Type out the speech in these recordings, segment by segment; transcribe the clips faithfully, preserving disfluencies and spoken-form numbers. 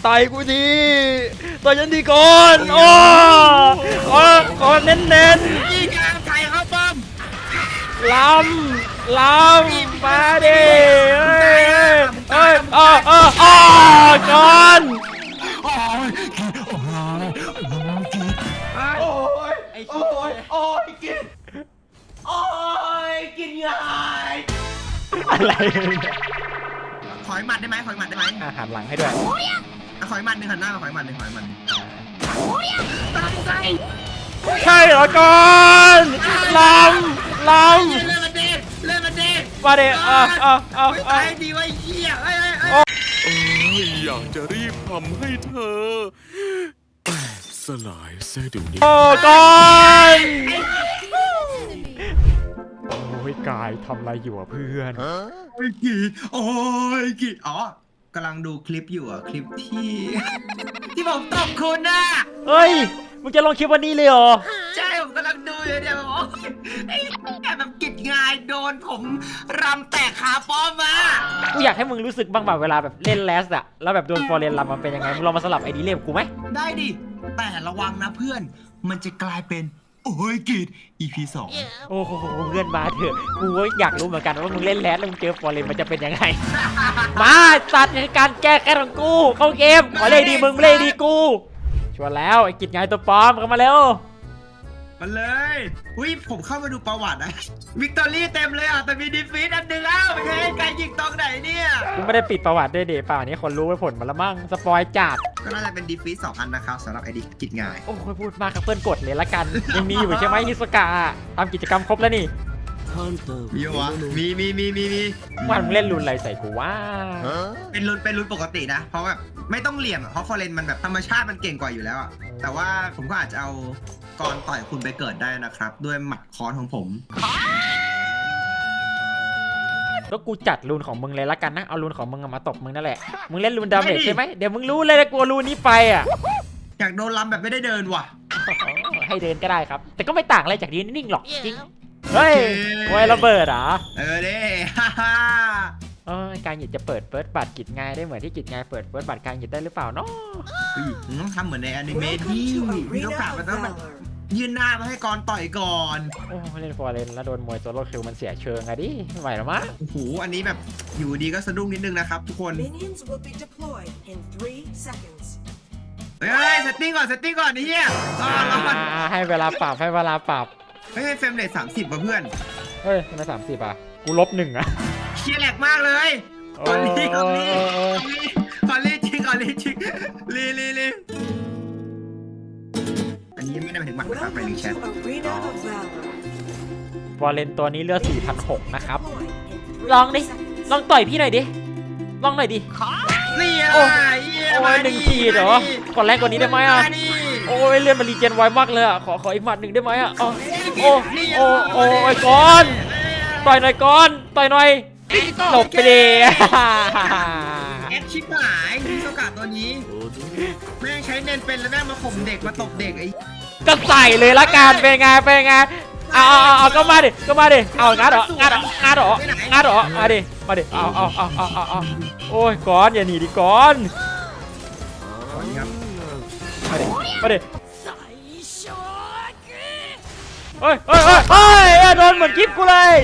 ต่อยกูทีต่อยฉันทีก่อนโอ้ขอขอเน้นเน้นยิงกลางไทยเข้าป้อมล้ำล้ำมาดิเอ้ยเอ้ยเอ้ยเอ้ยเอ้ยก่อนโอ้ยโอ้ยโอ้ยไอ้โอ้ยโอ้ยกินโอ้ยกินยายอะไรขอยหมัดได้ไหมขอยหมัดได้ไหมอาหารหลังให้ด้วยขอยหมัดหนึ่งหันหน้ามาขอยหมัดหนึ่งขอยหมัดตายตายใช่เหรอก่อนล้ำล้เล่นมันเด็ดเล่นมันเด็ดำมาดิเอ่ะอ่ะอ่ะไม่อ่ะตายดีวะเหี้ยเอ้ยเอ้ยเอ้ยอยากจะรีบทำให้เธอแตกสลายเสียเดี๋ยวนี้โอ้ก่อนโอ้ยกายทำอะไรอยู่อ่ะเพื่อนโอ้ยกีโอ้ยกีอ๋อกำลังดูคลิปอยู่อ่ะคลิปที่ ที่ผมตบคุณน่ะเฮ้ยมึงจะลงคลิปวันนี้เลยเหรอใช่ผมกำลังดูอยู่เนี่ยแบบโอ้ยไอ้แบบกิดงายโดนผมรำแตกขาป้อมมากูอยากให้มึงรู้สึกบ้างแบบเวลาแบบเล่นแลสอะแล้วแบบโดนฟอร์เรนลำมันเป็นยังไงมึงลองมาสลับไอดีเล่มกูไหมได้ดิแต่ระวังนะเพื่อนมันจะกลายเป็นโอ้ยกีด อี พี สองโอ้โหเพื่อนมาเถอะกูก็อยากรู้เหมือนกันว่ามึงเล่นแลสแล้วมึงเจอฟอร์เรนมันจะเป็นยังไง มาตัดในการแก้แค้นของกูเข้าเกมขอเลยดีมึงเลยดีกูชวนแล้วไอ้กิจไงตัวปลอมเข้ามาเร็วมาเลยอุ้ยผมเข้ามาดูประวัตินะวิกตอรี่เต็มเลยอ่ะแต่มีดีฟีตอันหนึ่งอ้าวไม่ใช่การยิงตรงไหนเนี่ยกูไม่ได้ปิดประวัติด้วยเดป่านี้คนรู้ไปผลมาแล้วมั่งสปอยจัดก็น่าจะเป็นดีฟีตสองอันนะครับสำหรับไอดีกิจงายโอ้ยพูดมากครับเพื่อนกดเลยละกันยังมีอยู่ใช่ไหมฮิสกะทำกิจกรรมครบแล้วนี่มีวะมีมีมีมีมีวันมึงเล่นรุนอะไรใส่กูว่าเป็นรุ่นเป็นรุ่นปกตินะ เพราะแบบไม่ต้องเหลี่ยมอะเพราะฟอร์เรนมันแบบธรรมชาติมันเก่งกว่าอยู่แล้วอะแต่ว่าผมก็อาจจะเอากรต่อยคุณไปเกิดได้นะครับ ด้วยหมัดค้อนของผมแล้วกูจัดรูนของมึงเลยละกันนะเอารูนของมึงมาตบมึงนั่นแหละมึงเล่นรูนดาเมจใช่ไหมเดี๋ยวมึงรู้เลยนะกลัวรูนนี้ไปอ่ะอยากโดนลำแบบไม่ได้เดินว่ะให้เดินก็ได้ครับ แต่ก็ไม่ต่างอะไรจากยืนนิ่งๆหรอกจริงเฮ้ยโวยระเบิดเหรอเออเด้ ฮ่าฮ่าเออการหยิบจะเปิดเฟิร์สบัตรกิจงายได้เหมือนที่กิจงายเปิดเฟิร์สบัตรการหยิบได้หรือเปล่าเนาะเฮ้ยมึงต้องทำเหมือนในอนิเมะที่มีโอกาสมันต้องแบบยืนหน้ามาให้กรต่อยก่อนโอ้เล่นฟอร์เรนแล้วโดนมวยโซโล่คิวมันเสียเชิงอะดิไม่ไหวหรอมั้งโอ้โหอันนี้แบบอยู่ดีก็สะดุ้งนิดนึงนะครับทุกคน Minions will be deployed in three seconds. เฮ้ยเซตติ้งก่อนเซตติ้งก่อนนี่เฮียรอรอก่อนอ่าให้เวลาปรับให้เวลาปรับเฮ้ยเฟรมเรทสามสิบป่ะเพื่อนเฮ้ยทำไมสามสิบอ่ะกูลบหนึ่งอ่ะเชียร์แหลกมากเลยขอรีขอรีขอรีจริงขอรีจริงรีรีรีอันนี้ไม่ได้หมายถึงหมัดนะครับหมายถึง Welcome แชท to Arena of Valor. ฟอร์เรนตัวนี้เลือด สี่พันหกร้อย นะครับ Deployed in three ลองดิ seconds. ลองต่อยพี่หน่อยดิ ลองหน่อยดินี่โอ้อะไรโอ้ยหนึ่งขีดเหรอ ก่อนแรกกว่านี้ได้ไหมอ่ะ โอ้ยเลื่อนมารีเจนไวมากเลยอ่ะ ขอขออีกหมัดหนึ่งได้ไหมอ่ะอ๋อโอ้โอ้โอ้ยก่อน ต่อยหน่อยก่อน ต่อยหน่อยหลบไปดิแอคชิบหายที่โอกาสตัวนี้แม่งใช้เน้นเป็นแล้วแม่งมาข่มเด็กมาตบเด็กไอ้ก็ใส่เลยละกันเป็นไงเป็นไงเอาเอาเอาเอาก็มาดิก็มาดิเอางัดเหรองัดเหรองัดเหรองัดเหรอมาดิมาดิเอาเอาเอาเอาเอาเอาโอ้ยก้อนอย่าหนีดิก้อนก่อนนี้ครับมาดิมาดิเฮ้ยเฮ้ยเฮ้ยเฮ้ยโดนเหมือนคลิปกูเลย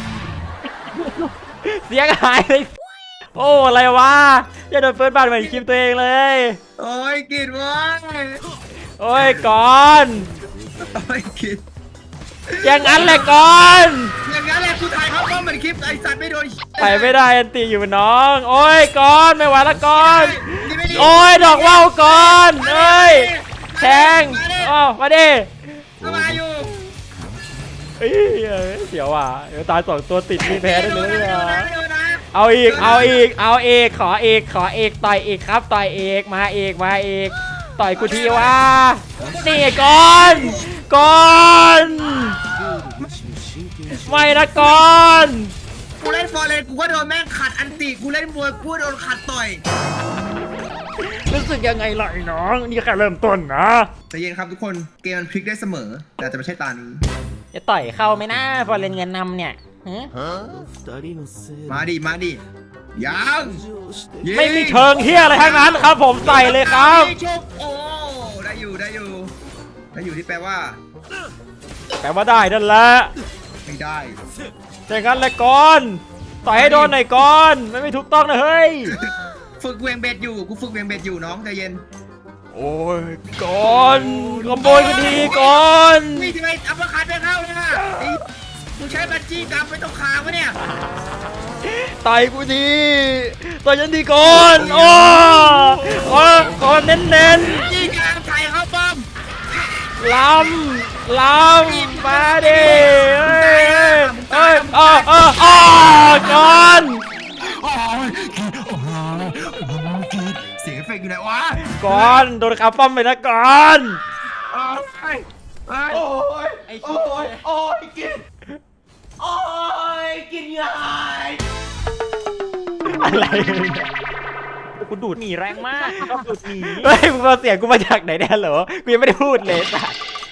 เสียงหายเลยโอ้อะไรวะอย่าโดนเฟิร์สบัตเหมือนคลิปตัวเองเลยโอ้ยกิดวะโอ้ยก้อนโอ้ยกิดอย่างนั้นแหละก้อนอย่างนั้นแหละคุณถ่ายเขาก็เหมือนคลิปไอ้สัตว์ไม่โดนไปไม่ได้อันตีอยู่น้อง โอ้ยก้อนไม่ไหวละก้อนนี่ไม่ดีโอ้ยดอกว่าวก้อนเอ้ยแทงอ๋อมาดิเข้ามาอยู่เอ้ยเสียวว่ะเดี๋ยวตายสองตัวติดมีแพ้ได้เลยไม่เหรโดอนนะไม่โดนนะเอาอีกเอาอีกเอาอีกขออีกขออีกต่อยอีกครับต่อยอีกมาอีกมาอีกต่อยกูทีว่านี่ก้อนก้อนไม่นะก้อนกูเล่นฟอร์เรนกูก็โดนแม่งขัดอันติกูเล่นมวยกูโดนขัดต่อยรู้สึกยังไงล่ะไอ้น้องนี่แค่เริ่มต้นนะแต่เย็นครับทุกคนเกมมันพลิกได้เสมอ แต่อาจจะไม่ใช่ตานี้จะต่อยเข้าไหมนะพอเล่นเงินนำเนี่ยมาดิมาดิยังไม่มีเชิงเฮียอะไรทั้งนั้นครับผมใส่เลยครับชกโอ้ได้อยู่ได้อยู่ได้อยู่ที่แปลว่าแปลว่าได้นั่นแหละไม่ได้แต่งั้นเลยก่อนต่อยให้โดนหน่อยก่อนไม่ไม่ถูกต้องนะเฮ้ยฝึกเวียงเบ็ดอยู่กูฝึกเวียงเบ็ดอยู่น้องใจเย็นโอ้ยก่อนขโมยกันทีก่อนนี่ทำไมอัปเปอร์คัทไม่เข้าเนี่ยไอ้มึงใช้บัญชีกรรมไม่ต้องคางวะเนี่ยต่อยกูทีต่อยฉันทีก่อนโอ้โอ้ก่อนเน้นเน้นจี้กลางไทยเข้าป้อมๆล้ำล้ำมาดิเอ้ยเอ้ยเอ้ยเอ้ยเอ้ยก่อนโอ้ยโอ้ยเสียงเอฟเฟกต์อยู่ไหนวะก่อนโดนขาป้อมไปนะก่อนโอ้ยโอ้ยไอ้โอ้ยโอ้ยกินโอ้ยกินยังไงอะไรเนี่ยกูดูดหนีแรงมากชอบดูดหนีเฮ้ยมึงเอาเสียงกูมาจากไหนเนี่ยเหรอกูยังไม่ได้พูดเลยสัส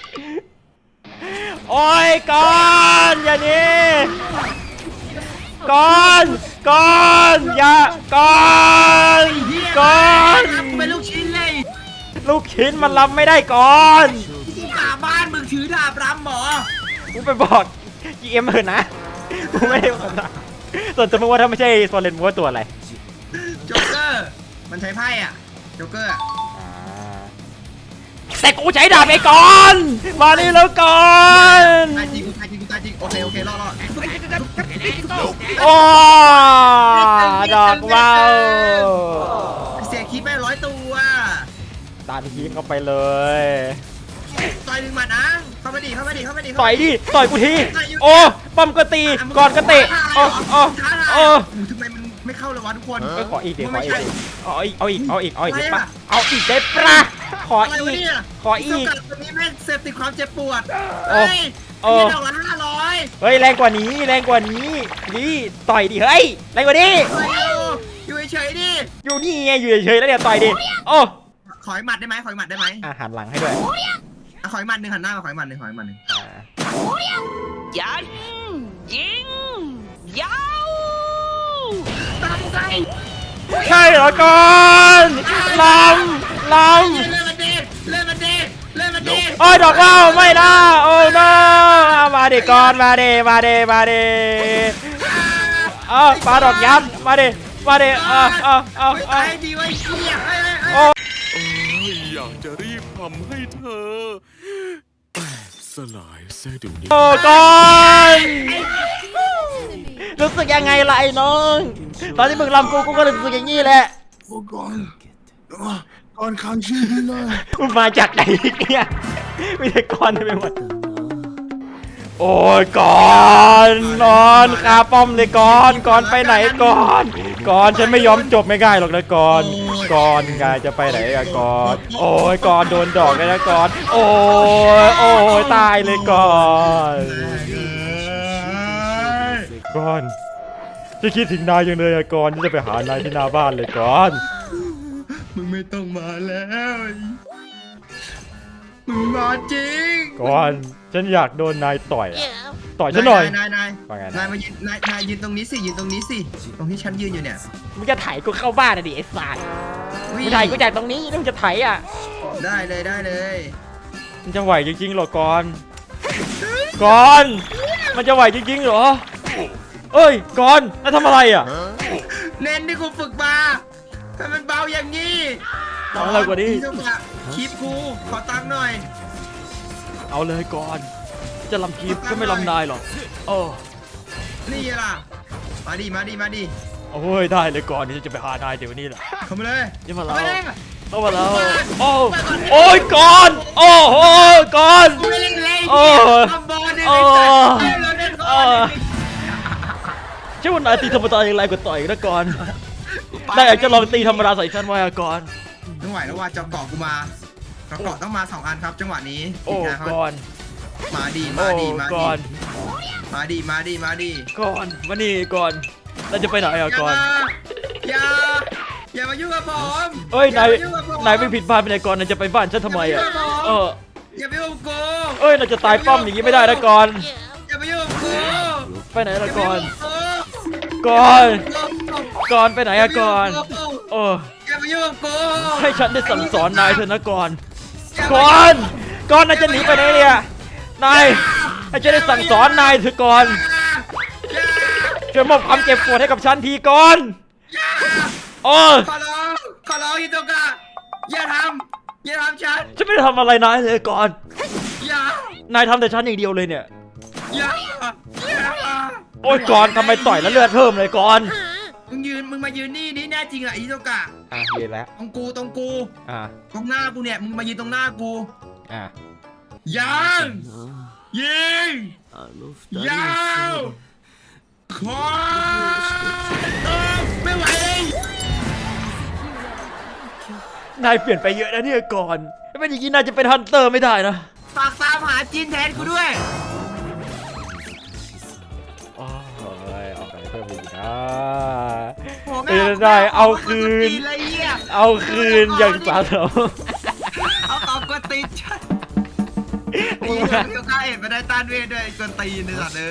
โอ้ยก่อนอย่าหนี้ก่อนก่อนอย่าก่อนก่อนเป็นลูกชิ้นเลยลูกชิ้นมันรับไม่ได้ก่อนกูกลับบ้านมึงถือดาบรำหมอกูไปบอก จี เอ็ม เถอะนะกูไม่ได้บอกนะส่วนตัวมึงว่าถ้าไม่ใช่โซเลนมึงว่าตัวอะไรโจ๊กเกอร์มันใช้ไพ่อ่ะโจ๊กเกอร์อ่ะแต่กูใช้ดาบไอ้ก่อนมานี่แล้วก่อนตายจริงกูตายจริงกูตายจริงโอเคโอเครอดรอดโอ้ดอกว้าวเสียคลิปไปร้อยตัวตามทีมเข้าไปเลยต่อยหนึ่งหมัดนะเข้ามาดิเข้ามาดิเข้ามาดิต่อยดิต่อยกูทีโอ้ป้อมก็ตีก่อนก็เตะโอ้โอ้โอ้ทำไมมันไม่เข้าเลยวะทุกคนเอ้ยขออีกเดี๋ยวขออีกไม่ดิใช่เอาอีกเอาอีกเอาอีกเอาอีกอะไรได้ปะอะเอาอีกได้ปะขออะไรอีวะกเนี่ยขออีกสกัดตัวนี้แม่งเสพติดความเจ็บปวดโอ้เฮ้ยโอ้ไอ้ดอกละห้าร้อยเฮ้ยแรงกว่านี้แรงกว่านี้ดิต่อยดิเฮ้ยแรงกว่านี้อยู่เฉยๆดิอยู่นี่ไงอยู่เฉยๆแล้วเนี่ยต่อยดิโอ้ขออีกหมัดได้ไหมขออีกหมัดได้ไหมอาหันหลังให้ด้วยอ่ะขออีกหมัดหนึ่งหันหน้ามาขออีกหมัดหนึ่งขออีกหมัดหนึ่งอ่ายันยิงยาวตามใจใช่เหรอก่อนลำลำเล่นมันดีเล่นมันดีเล่นมันดีโอ้ยดอกว่าวไม่นะโอ้โนมาดิก่อนมาดิมาดิมาดิเออปาดอกยับมาดิมาดิเออเออเออไม่เอตาอยดีไว้เหี้ยเฮ้ยเฮ้ยเฮ้ยโอ้เอ้ยอยากจะรีบทำให้เธอแตกสลายเสียเดูนี้โอ้ก่อนรู้สึกยังไงล่ะไอ้น้องตอนที่มึงลำกูกูก็รู้สึกอย่างนี้แหละก่อนก่อนค้างชีพเลยมึงมาจากไหนเนี่ยไม่ใช่ก่อนไปหมดโอ้ยก่อนนอนคาป้อมเลยก่อนก่อนไปไหนก่อนก่อนฉันไม่ยอมจบไม่ง่ายหรอกนะก่อนก่อนกายจะไปไหนอะก่อนโอ้ยก่อนโดนดอกเลยนะก่อนโอ้ยโอ้ยตายเลยก่อนก่อนจะคิดถึงนายยังเลยอะก่อนที่จะไปหานายที่หน้าบ้านเลยก่อนมึงไม่ต้องมาแล้วมึงมาจริงก่อนฉันอยากโดนนายต่อยอะต่อยฉันหน่อยนายนายว่าไงนะนายมายืนนายนายยืนตรงนี้สิยืนตรงนี้สิตรงที่ฉันยืนอยู่เนี่ยมึงจะไถกูเข้าบ้านอะดิไอ้สัตว์มึงไถกูจากตรงนี้แล้วมึงจะไถอ่ะได้เลยได้เลยมันจะไหวจริงๆเหรอก่อนก่อนมันจะไหวจริงๆเหรอเอ้ยก่อนแล้วทำอะไรอ่ะเน้นที่กูฝึกมาทำมันเบาอย่างนี้ทำอะไรกว่านี้จังหวะคลิปกูขอตังค์หน่อยเอาเลยก่อนจะลำคีบก็ไม่ลำนายหรอกโอ้นี่ล่ะมาดิมาดิมาดิโอ้ยได้เลยก่อนที่จะไปหานายเดี๋ยวนี้แหละเข้ามาเลยนี่มาเข้าแล้วมาเลยเข้ามาแล้วโอ้โอ้ยก่อนโอ้โหก่อนกูไม่เล่นเลยโอ้เนี่ยทำบอลเนี่ยโอ้ไอ้สัตว์เล่นเราเล่นบเออลอเนี่ยใช่ว่านายตีธรรมดาอย่างไรกว่าต่อยนะก่อนนายอยากจะลองตีธรรมดาใส่ฉันไว้อะก่อนไม่ไหวแล้วว่าจอเกาะกูมาจอเกาะต้องมาสองอันครับจังหวะนี้โอ้ทีมงานเขาก่อนมาดีโอ้มาดีมาก่ดีอนมาดีมาดีมาดีก่อนมานี่ก่อนเราจะไปไหนอะก่อนอย่าอย่ามายุ่งกับผมเอ้ยนายอย่มยุ่งกับผมนายไม่ผิดพลาดไปไหนก่อนนายจะไปบ้านฉันทำไมอะเอออย่าไปยุ่งกับกูเอ้ยนายจะตายป้อมอย่างนี้ไม่ได้นะก่อนอย่าไปยุ่งกับกูไปไหนละก่อนอย่าไปยุ่งกับกูก่อนกก่อนไปไหนอะก่อนโอ้แกมายุ่งกับกูให้ฉันได้สั่งสอนนายเถอะนะก่อนก่อนก่อนนายจะหนีไปไหนเนี่ยนายให้ฉันได้สั่งสอนนายเถอะก่อนช่วยมอบความเจ็บปวดให้กับฉันทีก่อนโอ้ขอร้องขอร้องฮิโตกะอย่าทำอย่าทำฉันฉันไม่ได้ทำอะไรนายเลยก่อนอย่านายทำแต่ฉันอย่างเดียวเลยเนี่ยอย่าอย่าโอ้ยก่อนทำไมต่อยแล้วเลือดเพิ่มเลยก่อนมึงยืนมึงมายืนนี่นี่แน่จริงอ่ะฮิโตกะอ่ะเย็นแล้วตรงกูตรงกูอ่ะตรงหน้ากูเนี่ยมึงมายืนตรงหน้ากูอ่ะยังยิงยาวขอเออไม่ไหวเลยนายเปลี่ยนไปเยอะนะเนี่ยก่อนถ้าเป็นอย่างนี้นายจะเป็นฮันเตอร์ไม่ได้นะฝากตามหาจีนแทนกูด้วยโอ้ยออกไปเพิ่มอีกนะโอ้ไม่ได้เอาคืนจีเลยเหี้ยเอาคืนอย่างสาสมเอาตอบกวนตีนฉันไอ้เหี้ยเดี๋ยวข้าเห็นมาได้ต้านเวทด้วยไอ้กวนตีนในสัตว์เลย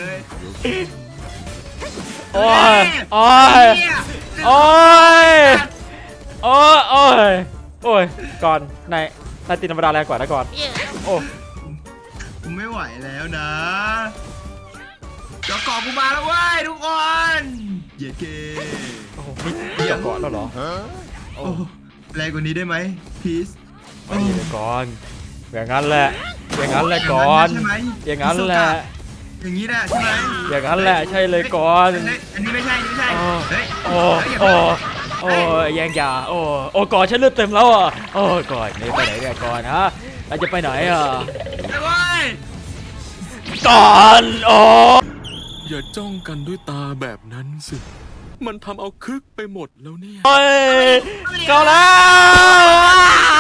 โอ้ยโอ้ยเหี้ยโอ้ยโอ้ยโอ้ยโอ้ยก่อนนายนายตีธรรมดาแรงกว่านะก่อนโอ้กูไม่ไหวแล้วนะเจ้าก่อกูมาแล้วเว้ยทุกคนเย้เกโอ้โหนี่นี่จะก่อนแล้วเหรอโอ้โอ้แรงกว่านี้ได้ไหมพีซไม่ดีเลยก่อนอย่างนั้นแหละอย่างนั้นแหละก่อนใช่ไหมอย่างนั้นแหละอย่างนี้แหละใช่ไหมอย่างนั้นแหละใช่เลยก่อนเฮ้ยอันนี้ไม่ใช่อันนี้ไม่ใช่โอ้เฮ้ยโอ้โอ้โอ้แยงยาโอ้โอ้ก่อนฉันเลือดเต็มแล้วอ่ะโอ้ก่อนนี่ไปไหนเนี่ยก่อนฮะเราจะไปไหนอ่ะไปเว้ยก่อนโอ้อย่าจ้องกันด้วยตาแบบนั้นสิ มันทำเอาคึกไปหมดแล้วเนี่ยเฮ้ยก่อนแล้ว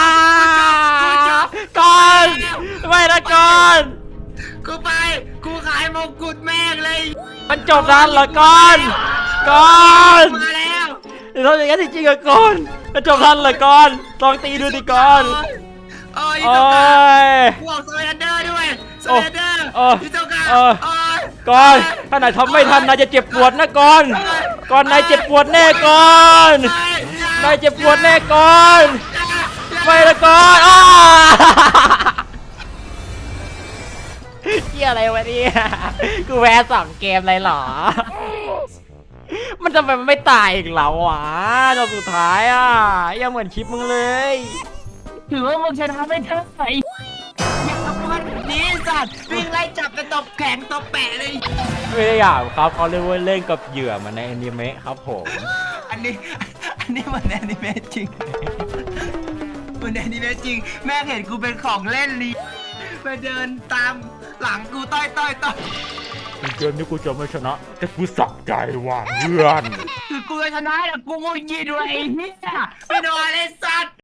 ก่อนไม่นะก่อนกูไปกูขายมงกุฎแม่งเลยมันจบนั้นเหรอก่อนก่อนมาแล้วเดี๋ยวทำอย่างนั้นจริงๆอะก่อนมันจบนั้นเหรอก่อนลองตีดูดิก่อนโอ้ยโอ้เจ้ากะยกูออกโซเลนเดอร์ด้วยโซโอ้เลนเดอร์โอ้พี่เจ้ากะโอ้โอ้ยก่อนถ้านายทำไม่ทันนายจะเจ็บปวดนะก่อนก่อนนายเจ็บปวดแน่ก่อนนายเจ็บปวดแน่ก่อนไม่ละก่อนอ้าเกี่ยอะไรวะเนี่ยกูแพ้สองเกมเลยเหรอ มันทำไมมันไม่ตายอีกแล้ววะจนสุดท้ายอ่ะยังเหมือนคลิปมึงเลยถือว่ามึงชนะไม่เท่าไหร่อย่าทำมันนี้สัตว์วิ่งไล่จับกันตบแข็งตบแปะเลยไม่ได้อยากครับเขาเรียกว่าเล่นกับเหยื่อเหมันในอนิเมะครับผมอันนี้อันนี้เหมือนแอนิเมะจริงเหมือนแอนิเมะจริงแม่งเห็นกูเป็นของเล่นลีไปเดินตามหลังกูต้อยต้อยต้อยเกมนี้กูจะไม่ชนะ แต่กูสักใจว่ะเพื่อนคือกูจะชนะแต่กูงุนยินด้วยไอ้เหี้ยไม่โดนไอ้สัตว์